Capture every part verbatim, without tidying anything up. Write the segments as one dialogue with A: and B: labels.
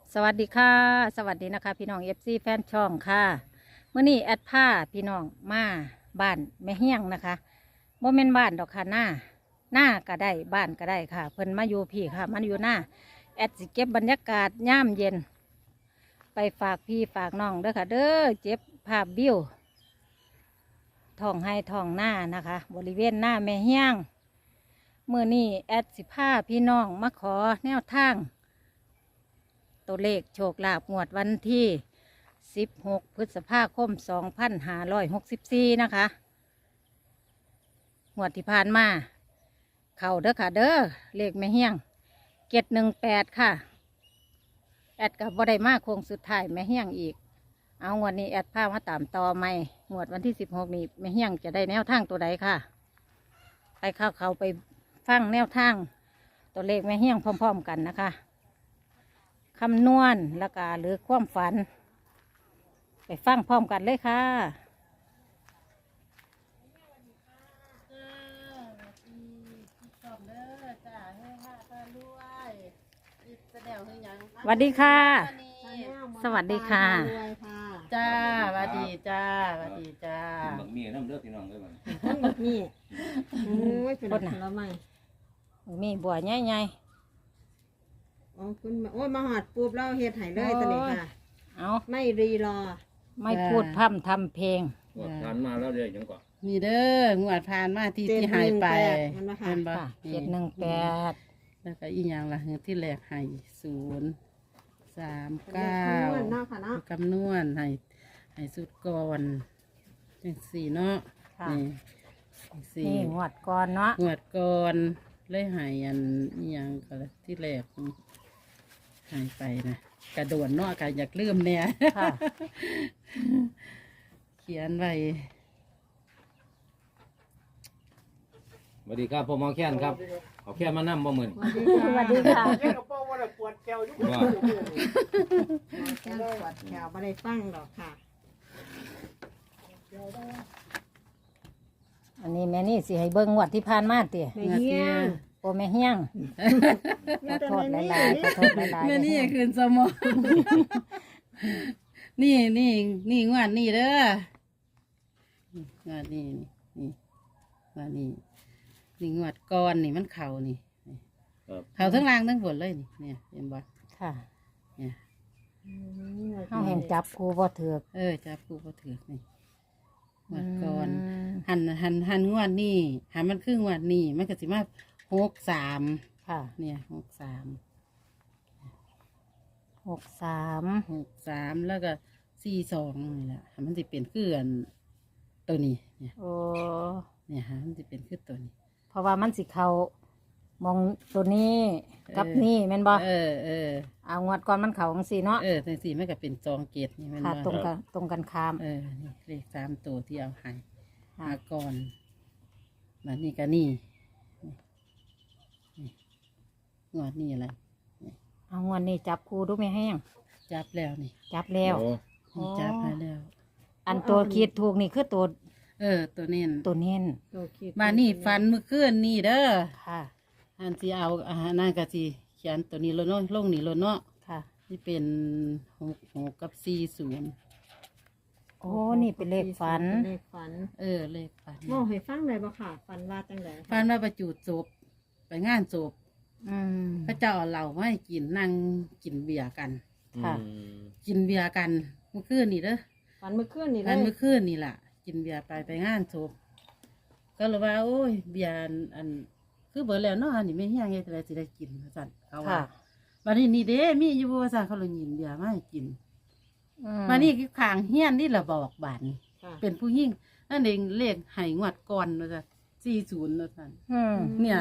A: สวัสดีค่ะสวัสดีนะคะพี่น้องเอฟซีแฟนช่องค่ะเมื่อนี้แอดผ้าพี่น้องมาบ้านแม่เฮี้ยงนะคะโมเมนบ้านดอกค่ะหน้าหน้าก็ได้บ้านก็ได้ค่ะเพิ่นมาอยู่พี่ค่ะมาอยู่หน้าแอดสิเก็บบรรยากาศย่ามเย็นไปฝากพี่ฝากน้องเด้อค่ะเด้อเจ็บภาพวิวท้องให้ท้องหน้านะคะบริเวณหน้าแม่เฮี้ยงเมื่อนี้แอดสิผ้าพี่น้องมาขอแนวทางตัวเลขโชคลาภงวดวันที่สิบหกพฤษภาคมสองพันห้าร้อยหกสิบสี่นะคะงวดที่ผ่านมาเข่าเด้อค่ะเด้อเลขแม่เฮี้ยงเจ็ดหนึ่งแปดค่ะแอดกับบ่ได้มาโค้งสุดท้ายแม่เฮี้ยงอีกเอางวดนี้แอดพามาตามต่อใหม่งวดวันที่สิบหกนี้แม่เฮี้ยงจะได้แนวทางตัวใดค่ะไปเข้าเขาไปฟังแนวทางตัวเลขแม่เฮี้ยงพร้อมๆกันนะคะคำนวณแล้วก็หรือความฝันไปฟังพร้อมกันเลยค่ะสวัสดีค่ะสวัสดีค่ะ
B: จ้าสวัสดีจ้าสวัสดีจ้า
C: บักมีน้ำเลือดพี่น้องเลยมัน
B: ทั้งหมดนี่โอ้ยเป็นผลไม้
A: มีบัวใหญ่
B: อ๋อคุณโอ้ยมาหอดปุ๊บเราเฮ็ดให้เลยตอนนี้ค่ะ
A: ๆเอา
B: ไม่รีรอ
A: ไม่พูดพร่ำทำเพลง
C: กดทานมาแล้วเดี๋ยวยังก่อน
D: มีเด้องวดผ่านมาที่ที่หายไป
B: มันมาค่ะ
D: เป็นบ่
A: ค่ะเจ็ดหนึ่งแปด
D: แล้วก็อีกอย่างละที่แรกให้ศูนย์สามเก้า
B: คำนวณเนาะค่ะเนาะ
D: คำนวณให้ให้สุดก่อนจังสี่เนาะ
A: ค่ะ
D: นี่จังสี่
A: นี่งวดก่อนเนาะ
D: งวดก่อนเลยให้อันอีหยังก็เลยที่แรกใหายไปนะกระโดดเนาะก็อยากลืมเนี่ย
A: ค่ะ
D: เขียนไว้
C: สวัสดีครับพ่อหมอแค้นครับเอาแค้นมานั่บ่มื่น
A: สวัสดีค่ะ
C: ว่า
B: แก้วปวดแขวไม่ได้ฟังหรอกค่ะ
A: อันนี้แม่นี่สิให้เบิ้งงวดที่ผ่านมาเตี๋ย
B: ไม่เฮี้ยง
A: โอแม่เฮี้ยงขอโทษหลายๆขอโทษหลายๆ
D: แม่นี่คืนสมอง นี่นี่นี่งวดนี่เด้องวดนี่นี่งวดนี่นี่งวดก่อนนี่มันเข่านี่
C: ครับ
D: เข่าทั้งล่างทั้งบนเลยนี่เนี่ยเห็นบ่
A: ค่ะ
D: เนี่ย
A: เขาเห็นจับครูบ่เถือก
D: เออจับกูก็ถือกนี่งวดก่อน
A: ม
D: หันหันหันงวดนี่หันมันครึ่งงวดนี่มันก็สิมาหกสาม
A: ค่ะ
D: เนี่ยหกสาม
A: หกสาม
D: หกสามแล้วก็สี่สองนี่แหละหันมันสิเป็นคืออันตัวนี้เนี่ย
A: โอ้
D: เนี่ยฮะมันจะเป็นขึ้นตัวนี้
A: เพราะว่ามันสิเขามองตัวนี้กับ
D: เออ
A: นี่แม่นบ่
D: เออเออ
A: เอางวดก่อนมันเขาของสีเนาะ
D: เออแต่สีมันก็เป็นจองเกตนี่แมัน
A: ค่ะ
D: ว่า
A: ตรงกันตรงกันข้าม
D: เออนี่เลขสามตัวที่เอาให้
A: ค่ะ
D: หาก่อนแล้วนี่ก็นี่นี่นี่งวดนี่อะไร
A: เอางวดนี้จับครูดูไม่แห้ง
D: จับแล้วนี่
A: จับแล้ว
C: โอ้
D: นี่จับให้แล้ว
A: อันตัวคิดถูกนี่คือตัว
D: เออ ตัวเน้น
A: ตัวเน้น
D: มานี่ฟันเมื่อคืนนี่เด้อ
A: ค่ะ
D: อันที่เอาอาหารนั่นก็สิเขียนตัวนี้ลงเนาะลงนี่ลงเนาะ
A: ค่ะ
D: นี่เป็นหกหกกับสี่ศูนย์
A: โอ้นี่เป็นเลขฝัน
B: เลขฝัน
D: เออเลขฝัน
B: มองให้ฟังเลยบ่ค่ะฝันว่าจังได
D: ฟันว่าไปจูดศพไปงานศพ
A: อืม
D: พระเจ้าเอาเหล้ามาให้กินนั่งกินเบียร์กัน
A: ค่ะ
C: อืม
D: กินเบียร์กันเมื่อคืนนี่เด้อ
B: ฝันเมื่อคืนนี่เล
D: อัน
B: ย
D: เมื่อคืนนี่ล่ะ กินเบียร์ไปไปงานศพก็เลยว่า โอ้ยเบียร์อันอันคือเบิดแล้วเนาะอันนี้ไม่เฮี้ยงเฮ็ดอะไรสิได้กินว่าสั่นเขาว่า
A: ค่ะ
D: วันนี้นี่เด้มีอยู่ว่าสั่นเขาเลยยินเบียร์มาให้กิน
A: อื
D: มานี่คือข้างเฮี้ยนนี่ละบอกบาดนี่
B: ค่ะ
D: เป็นผู้หญิงนั่นเองเลขไห้งวดก่อนว่าสั่นสี่ศูนย์ว่าสั่น
A: อืม
D: เนี่ย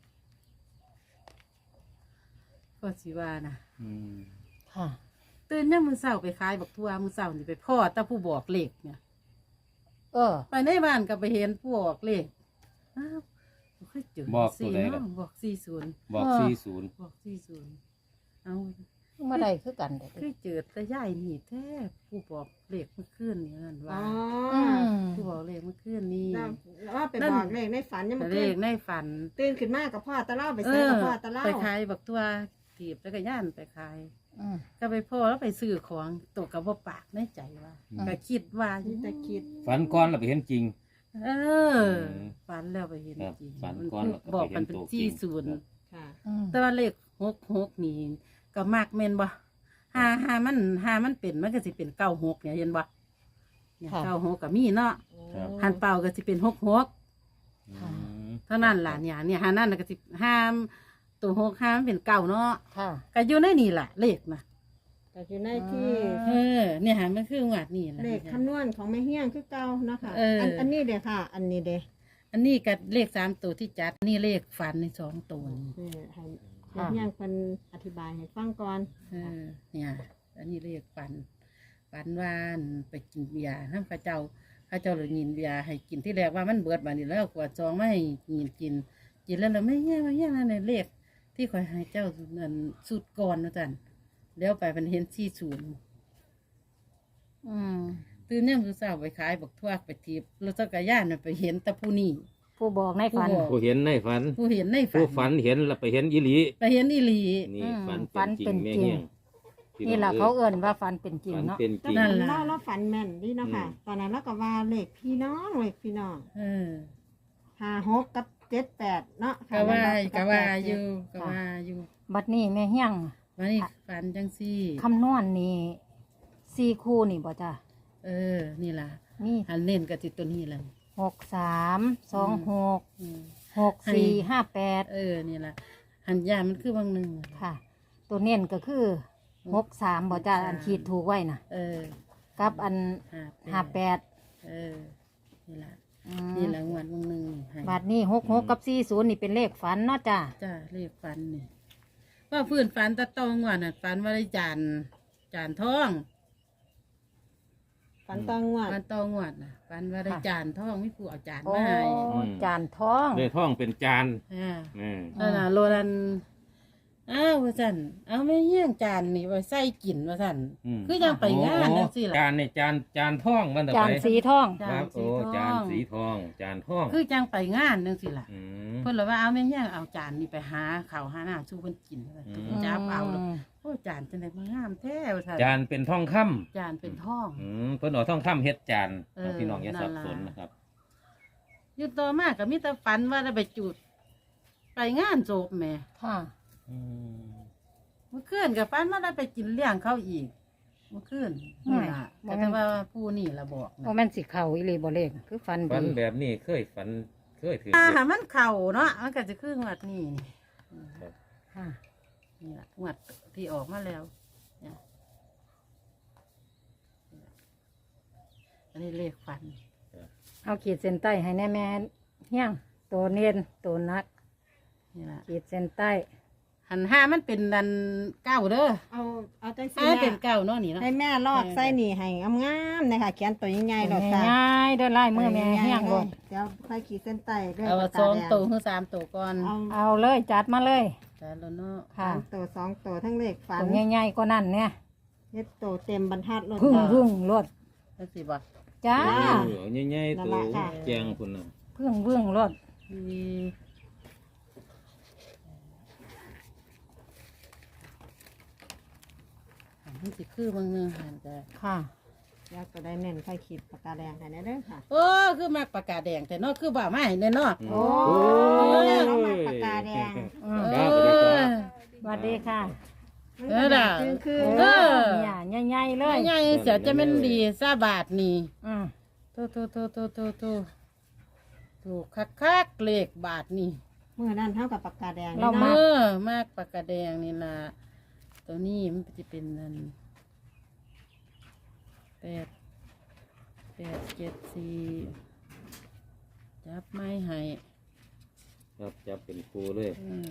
D: ก็สิว่านะ
C: อืม
A: ค่ะ
D: ตื่นยังมือเศร้าไปขายบักทั่วมือเศร้านี่ไปพ่อแต่ผู้บอกเลขเนี่ย
A: เออ
D: ไปในบ้านก็ไปเห็นผู้บอกเลขอ้าวบ่เคยเจอ
C: บอกตัว
D: สี่
C: ใด
D: เนาะ
C: ล่ะ
D: บอกสี่ศูนย์
C: บอก
A: เออ
C: สี่ศูนย์
D: บอกสี่ศูนย์เอา
A: เมื่อใดคือกันเด้อ
D: เคยเจอแต่ย่ายนี่แท้ผู้บอกเลขเมื่อคืนนี่นั่น
B: อ๋
D: ว่า
B: อ
A: อืม
D: ผู้บอกเลขเมื่อคืนนี่
B: แล้วว่าไปบอกเลขในฝันยัง
D: แต่
B: เมื่อ
D: เล
B: คื
D: ข
B: น
D: ในฝัน
B: ตื่นขึ้นมากับพ่อตะเล่าไป
D: เอ
B: ซื้อ
D: อ
B: กับพ่อตะเล่า
D: ไปขายบักทั่วถีบจักรยานไปขาย
A: อืม
D: ก็ไปพ่อแล้วไปซื้อของตกกับว่าปากในใจว่า
A: อืม
D: ก็คิดว่า
B: ที่จะคิด
C: ฝันก่อนเราไปเห็นจริง
D: เออฝันแล้วไปเห็น
C: ครับ
D: จริง
C: ฝัน
D: มัน
C: ก่อน
D: คือ
C: แล้วก็
D: บอก
C: ไปเห็น
D: มันเป็น
C: ตัวจริ
D: ที่
C: ง
D: ศูนย์
B: ค่ะ
A: อืม
D: แต่ว่าเลขหกหกนี่ก็มากแม่นบ่หาหามันหามันเป็นมันก็สิเป็นเก้าหกเนี่ยเห็นบ่เนี่ยเก้าหกก็มีเนาะ
C: ครับ
D: หันเป่าก็สิเป็นหกหก
C: อืม
D: เท่านั้นล่ะเนี่ยเนี่ยหานั่นน่ะก็สิห้ามตัวหกห้ามนเป็นเก้าเนาะ
A: ค่ะ
D: ก็อยู่ในนี่ล่ะเลขนะ
B: ก็อยู่ในที่
D: เออเนี่ยหามันคือหวัดนี่ล่ะ
B: เลขคำนวณของแม่เฮี้ยงคือเก่าเนาะค่ะ
D: เอออั
B: นอันนี้เด้อค่ะ อันนี้เด้
D: อันนี้ก็เลขสามตัวที่จัดนี่เลขฝันในสองตัวนี่
B: นี่ให้แม่เฮี้ยงเพิ่นอธิบายให้ฟังก่อน
D: เออเนี่ยอันนี้เลขฝันฝันว่าอั่นไปกินเบียร์น้ำข้าเจ้าข้าเจ้าเลยกินเบียร์ให้กินที่แรกว่ามันเบิดบานี้แล้วกว่าจองไม่ให้กินกินกินแล้วเราไม่แย่ไม่แย่นั่นเลยเลขที่คอยให้เจ้านั่นสุดก่อนนะจันเดี๋ยวไปมันเห็นที่ศูนย์
A: อืม
D: ตื่นเนี่ยมือเศร้าไปขายบักทวกไปทีบรถจักรยานน่ะไปเห็นแตะผู้นี่
A: ผู้บอกในฝัน
D: ผู้บอก
C: ผู้เห็นในฝัน
D: ผู้เห็นในฝั
C: ผู้
D: น
C: ฝันเห็นแล้วไปเห็นอีหลี
D: ไปเห็นอีหลี
C: นี่
A: อืม
C: ฝัน
A: ฝัน
C: เป็นจริง
A: เป็น
C: แม่
A: จริง
C: เฮียงพี่
A: นี่แหละ
C: อง
A: เขาเอิ่นว่าฝันเป็นจริง
C: ฝัน
A: เนาะ
C: เป็นจริง
D: นั่นล่ะ
B: เราเราฝันแม่นดีเนาะค่ะ
C: อืม
B: ตอนนั้นเราก็ว่าเลขพี่น้องเลขพี่น้อง
D: เออ
B: ห้าหกกับเจ็ดแปดเนาะ
D: ก็ว่า
B: ค่ะ
D: ก็ว่า
B: แปด
D: อ
B: เจ็ด
D: ยู่ก็ว่าอยู่
A: บัดนี้แม่เฮียง
D: วันนี้ฝันจังซี่
A: คำนวณนี่สี่คู่นี่บ่จ้ะ
D: เออ นี่ล่ะ
A: มี
D: หันเน้นกับติดตัวนี้แหละ
A: หกสามสองหก
D: อืม
A: หกสี่ห้าแปด
D: เออ นี่ล่ะ หันยามันคือบางหนึ่ง
A: ค่ะ ตัวเน้นก็คือหกสามบ่จ้ะอันขีดถูกไว้น่ะ
D: เออ
A: กับอัน
D: ห้า
A: ห้าแปด
D: เออ นี่ล่ะ
A: อืม
D: นี่ล่ะงวดบางหนึ่งให้
A: บัดนี้หกหกกับสี่ศูนย์นี่เป็นเลขฝันเนาะจ้ะ
D: จ้าเรียกฟันนี่ว่าพื้นฟันตะตองว่าน่ะฟันว่าได้จานจานทอง
B: ฝันตองงวด
D: ฟันตองวดน่ะฟันว่าได้จานทองไม่ผู้เอาจาน
A: โอ้
D: มาให้
A: จานทอง
C: ได้ท่องเป็นจาน
D: อ่า
C: นี่
D: นั่นน่ะโลดันอ้าวว่าสั่นเอาไม่เยี่ยงจานนี่ไว้ใส่กินว่าสั่น
C: ม
D: คือยังไปงาน
C: โอ้
D: จังซี่ล่ะ
C: จานนี่จานจานท่องมันแต่
A: จาน
C: ไป
A: สีทอง
C: ครับโอ้จานสีทอง จานท่อง
D: คือจังไปงานจังซี่ล่ะ
C: อืม
D: เพิ่นเลยว่าเอาแม่ย่างเอาจานนี่ไปหาข้าวหาน้ำสู้เพิ่นกินว่า
C: อื
D: ซั่น
C: ม
D: เพิ่นจับเอาแล้วโอ้จานจังได๋มางามแท้ว่าซั่น
C: จานเป็นทองคำ
D: จานเป็นทอง
C: อืมเพิ่นเอาทองคำเฮ็ดจาน
D: เออ
C: พี่น้องอย่าสับ
D: นั่นล่ะ
C: สนนะครับ
D: อยู่ต่อมาก็มีแต่ฝันว่าได้ไปจุด ไปงานศพแหม่
A: ค่ะ
C: อืม
D: เมื่อคืนกับฝันว่าได้ไปกินเลี้ยงเขาอีกเมื่อคืนนี่ล่ะ
A: ไม่
D: ก็แต่ว่าผู้นี่ละบอกนะ
A: ว่ามันสิเข่าอีหลีบ่เลขคือฝัน
C: ฝัน
A: ดี
C: แบบนี้เคยฝันเคยถือ
D: อ่าหามันเข่าเนาะมันก็จะคืองวดนี่
C: ครับ
A: ค่ะ
D: นี่ล่ะงวดที่ออกมาแล้วเนี่ยอันนี้เลขฝัน
A: เอาขีดเส้นใต้ให้แน่แม่เฮียงตัวเนียนตัวนัก
D: นี่ล่ะ
A: ขีดเส้นใต้
D: หันห้ามันเป็นดันเก้าเด้อ
B: เอาเอาใจสิ
D: ห้าเป็น
B: แม่
D: เก้าเนาะนี่เนาะ
B: ให้แม่ลอกไส้หนีให้งามๆนะคะเขียนตัวใหญ่ๆดอกจ้า
A: ง่ายๆเด้อไล่มือแม่เฮียง
B: เล
A: บ่
B: ยเดี๋ยวค่อยขีดเส้นใต้ด้วย
D: เอา
B: ปาก
D: ส
B: กา
D: อง
B: แดง
D: ตัวคือสามตัวก่อน
B: เอา
A: เอาเลยจัดมาเลย
D: แต่แล้วเนาะ
A: ค่ะ
B: สามตัวสองตัวทั้งเลขฝัน
A: ตัวใหญ่ๆก็นั่นเนี่ย
B: เฮ็ดตัวเต็มบรรทัดรถ
A: พึ่ง
B: จ้า
A: พึ่งรถ
D: จังสิบ่
A: จ้า
C: เออเอาใหญ่ๆ
B: นั่
C: ตั
B: น
C: ว
B: ล่ะค่ะ
C: แจงพุ่นน่ะ
A: พึ่งพึ่งรถ
D: มีมันสิคือบางเงินหันแต่
A: ค่ะ
B: แล้วก็ได้เน้นค่อยขีดปากกาแดงให้ได้เด้อค่ะ
D: โอ้คือมากปากกาแดงแต่เนอกคือบ่าไม้เน่เนาะ
C: อืม
B: โอ้
C: ย
B: เอามาปากกาแดง
A: อืม
C: ครับสวัสดีครับ
A: สวัสดีค่ะ
D: เออด่า
B: คือคือ
A: เออเนี่ยใหญ่ๆเลย
D: ยังเสียจะเป็นดีซาบาทนี่
A: อืม
D: โตโตโตโตโตโตถูกคักคักๆเลขบาทนี่
B: เมื่อนั้นเท่ากับปากกาแดง
D: เรา
B: นี่
D: เมื่
B: เนาะ
D: อมากปากกาแดงนี่ล่ะตัวนี้มันจะเป็นนั่นแปดแปดเจ็ดสี่จับไม้ให้
C: ครับจับเป็นครูเลย
D: อืม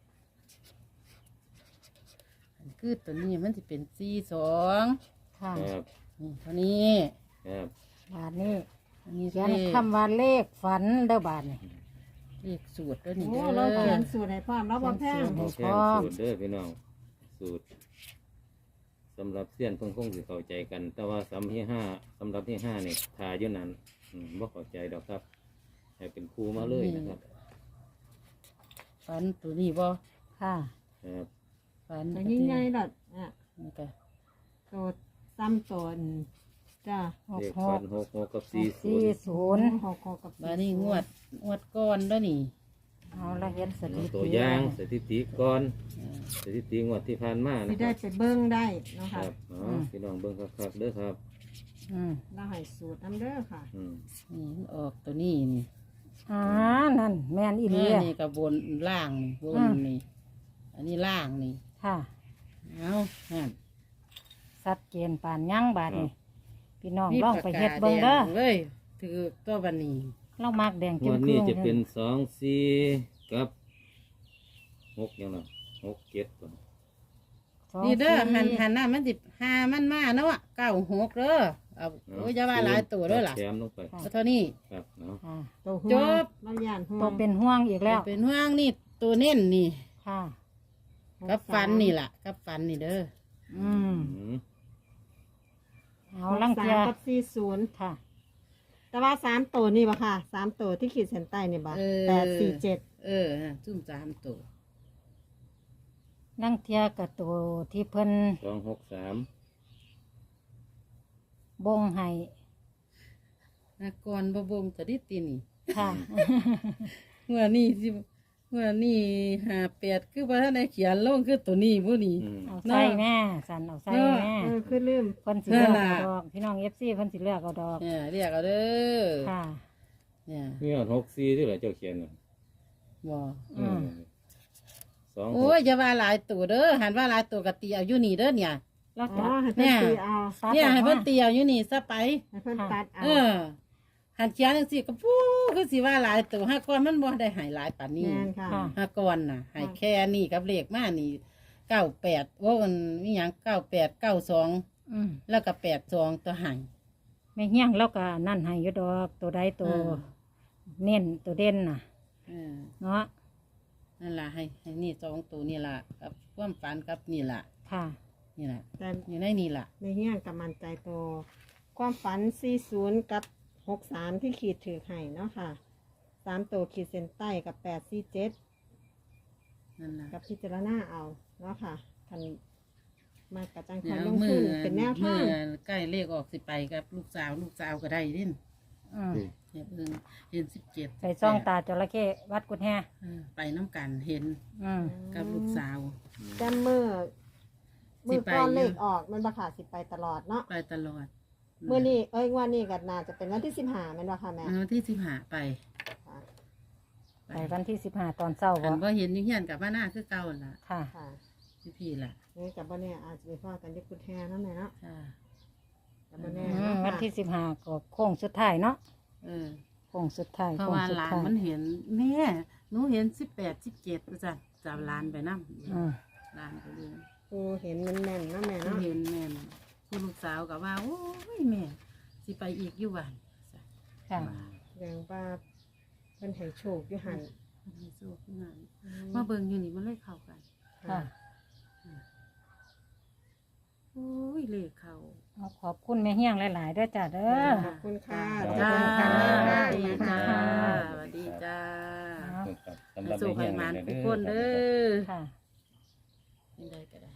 D: อันคือตัวนี้มันจะเป็นสี่สอง
A: ค่ะ
C: ครับ
D: นี่เท่านี้
C: ครับ
A: บาทนี้
D: อันนี้
A: เขียน
D: เลข
A: คำว่าเลขฝันเด้อบาทนี่
D: เลขสูตรด้วยนี่
B: โอ้
D: เด้อ
B: เราเขียนสูตรให้พร้อมเราบ่แพง
C: โอเคสูตรเด้อพี่น้องสูตรสำหรับเสี้ยนเพิ่งคงสิเข้าใจกัน แต่ว่าสำที่ห้าสำหรับที่ห้าเนี่ยทาอยู่นั้นอืมบ่เข้าใจดอกครับให้เป็นครูมาเลยนะครับ
D: ฝันตัวนี้บ่
A: ค่ะ
C: ครับ
D: ฝัฝัน
B: แต่ยิ่งใหญ่ดอกอ่ะ
D: นี่ก็
B: โตซ้ำโตนจ้า
A: หก
C: เลข
A: ห
C: ฟั
A: ก
C: นหกหกกับสี่ศู
A: สี่
C: นย์
A: ศูนย์
B: หกหกกับ
D: บานี่งวดงวดก้อนแล้วนี่
A: เอาละเฮ็ดส
C: เอา
A: ถิติ
C: ตัวอย่างสถิติก่อนสถิติงวดที่ผ่านมา
B: สิ
C: นะค
B: ได้
C: รับ
B: ไปเบิ้งได้เนาะ
C: ค
B: ค่ะ
C: รับอ๋อพี่น้องเบิ่งคักๆเด้อครับ
A: อืม
B: เราให้สูตรน้ำเด้อค่ะ
C: อืม
D: นี่มันออกตัวนี้นี่
A: อ่านั่นแม่นอีเลี
D: นี่
A: ย
D: นี่ก็บนล่างนี่บ
A: อื
D: น
A: ม
D: นี่ อันนี้ล่างนี่
A: ค่ะ
D: เอานั่น
A: ชัดเจนปานยังบาดนี่พี่น้อง
D: มี
A: ลองไปเฮ็ดเบิ่งเด้อ
D: ปากกาแดเลยถือตัวบันนี้
A: เรามักแดง
C: ง
A: จึ้
C: ว
A: ง
C: ด
A: ค
C: นี้
A: รึ่ง
C: จะเป็นสองสี่กับหกยังไงหกเจ็ดก่อน
A: สง
D: นี่เด้อ
A: สี่
D: หันหันหน้ามันสิหามันมาเนาะเก้าหกเด้อเอาโอ้ยจะว่าหลายตัวเด้อล่ะ
C: แถมลงไป
D: ก็เท่านี้
C: ครับเนาะ
A: ค่ะ
B: โตหัว
D: จบ
B: น้ำยานหัว
A: ตัวเป็นห่วงอีกแล้ว
D: เป็นห่วงนี่ตัวเน้นนี่
A: ค่ะ
D: กับฟันนี่ล่ะกับฟันนี่เด้อ
A: อืม
C: อืม
A: เอาลัง
B: สา
A: เทีย
B: มกับสี่ศูนย์
A: ค่ะ
B: แต่ว่าสามตัวนี่บ่ค่ะสามตัวที่ขีดเส้นใต้นี่บ่
D: เออ
B: แปดสี่เจ็ด
D: เออซุ่มสามตัว
A: ลังเทียกับตัวที่เพิ่น
C: สองหกสาม
A: บงให้
D: นากรบวงจะได้ตีนี่
A: ค่ะ
D: เมื่อนี่สิเมื่อนี่หาแปดคือว่าท่านได้เขียนลงคือตัวนี้ผู้นี้
C: อืม
A: เอาใส่แม่สันเอาใส่แม่
B: เออคือลืม
A: เพิ่นสิเลือก
D: นั่น
A: เอา
D: ล่ะ
A: ดอก พี่น้องเอฟซีเพิ่นสิเลือกเอาดอก
D: เนี่ยเรียกเอาเด้อ
A: ค่ะ
D: เนี่ย
C: นี่หกสี่ที่เหลือเจ้าเขียนน่ะ
D: บ่
A: อืม
C: สองห
D: โอ้ย
C: ก
D: อย่าว่าหลายตัวเด้อหันว่าหลายตัวกะตีเอาอยู่นี่เด้อเนี่ย
A: แล้ว
B: อ๋
A: จะ
B: อให้เพิ่นตีเอา
A: ตัด
D: เนี่ย
A: ออก
D: ให้เพิ่น
A: มา
D: ตีเอาอยู่นี่ซะไป
B: ให้เพิ่นตัดเอา
D: เออ หันเขียนจังซี่ก็ปู้คือสิว่าหลายตัวห้าก้อนมันบ่ได้ใหายหลายปานนี้
B: แม่นค่ะ
A: ค่ะ
D: ห้าก้อนน่ะใหายแค่นี้กับเลขมานี่เก้าแปดว่ามันมีหยังเก้าแปดเก้าสอง
A: อืม
D: แล้วก็แปดสองตัวใหาย
A: ไม่เฮี้ยงแล้วก็นั่นให้อยู่ดอกตัวใดตัว
D: อืม
A: เน้นตัวเด่นน่ะ
D: เออ
A: เนาะ
D: นั่นล่ะให้ให้นี่สองตัวนี่ล่ะกับความฝันกับนี่ล่ะ
A: ค่ะ
D: นี่ล่ะ
B: แต่
D: อยู่ในนี่ล่ะ
B: ในเฮี้ยงกับมันใจโตความฝันสี่ศูนย์กับหกสามที่ขีดถือไห้เนาะค่ะสามตัวขีดเส้นใต้กับแปดสี่เจ็ด
D: นั่นล่ะ
B: กับพิจารณาเอาเนาะค่ะทันมากระจังค
D: เดี๋
B: อย
D: ยว
B: ลง
D: มื
B: ทุ
D: อน
B: เป็นแนว
D: มื
B: ทา
D: อง ใกล้เลขออกสิไปกับลูกสาวลูกสาวก็ได้ดิน
A: อืม
D: เนี่ยเพิ่งเห็นสิบเจ็ด
A: ใส่ซ่องตาจระเข้วัดกุดแฮ
D: ไปน้ำกันเห็น
A: อืม
D: กับลูกสาว
B: จำมือมือ
D: สิไป
B: ก้อนเลข
D: อยู่
B: ออกมันประขาสิไปตลอดเนาะ
D: ไปตลอด
B: เมื่อนี้เอ้ยงวันนี้กันน่าจะเป็นวันที่สิบห้าแม่นบ่ค่ะแม่
D: วันที่สิบหาไป
B: ค่ะ
A: ไปวันที่สิบห้าตอนเช้า
D: อั
A: บ่
D: นว่าเห็นอยุ่งยันกับว่าหน้าคือเก่าหั่นล่ะ
A: ค่ะ
B: ค่ะ
D: พี่พี่ล่ะ
B: นี่กับบ่เนี่ยอาจจะไปพ่อกันที่กุดแฮนั่นแหละเนาะ
D: ค่ะ
B: กับบ่แน่
A: อืม
B: เนาะ
A: วัน
B: ค่ะ
A: ที่สิบห้าก็โค้งสุดท้ายเนาะ
D: เออ
A: โค้งสุดท้าย
D: เพราะ
A: โค้ง
D: ว่า
A: สุด
D: หลาน
A: ท้าย
D: มันเห็นแม่หนูเห็นสิบแปดสิบเจ็ดจ้ะจับหลานไปนั่ง
A: อืม
D: หลานไปดู
B: ปูเห็นมันแม่นเนาะแม่
D: หนู
B: เนาะ
D: เห็นแม่นผู้ลูกสาวกับว่าโอ้ยแม่สิไปอีกอยู่บ้านจ้ะ
A: ค่ะ
B: แสดงว่าเพิ่นให้โชคอยู่หั่น
D: มันให้สู้ขึ้นมามาเบิ่งอยู่นี่มันเลยเข้ากัน
A: ค่ะ
D: โอ้ยเลขเข้า
A: เอาขอบคุณแม่เฮี้ยงหลายๆเด้อจ้าเด้อ
B: ขอบคุณค่ะ
D: จ้า
B: ขอบคุณค่ะ
D: สวัสดีจ้า
A: ค่ะ
D: สวัสดีจ้า
C: ครับสำหรับ
D: สู้
C: ใน
D: ให้
C: เฮียง
D: มัน
C: เลย
D: ทุก
C: เด้อ
D: คนเด้อ
A: ค่ะ
D: ยังไงก็ได้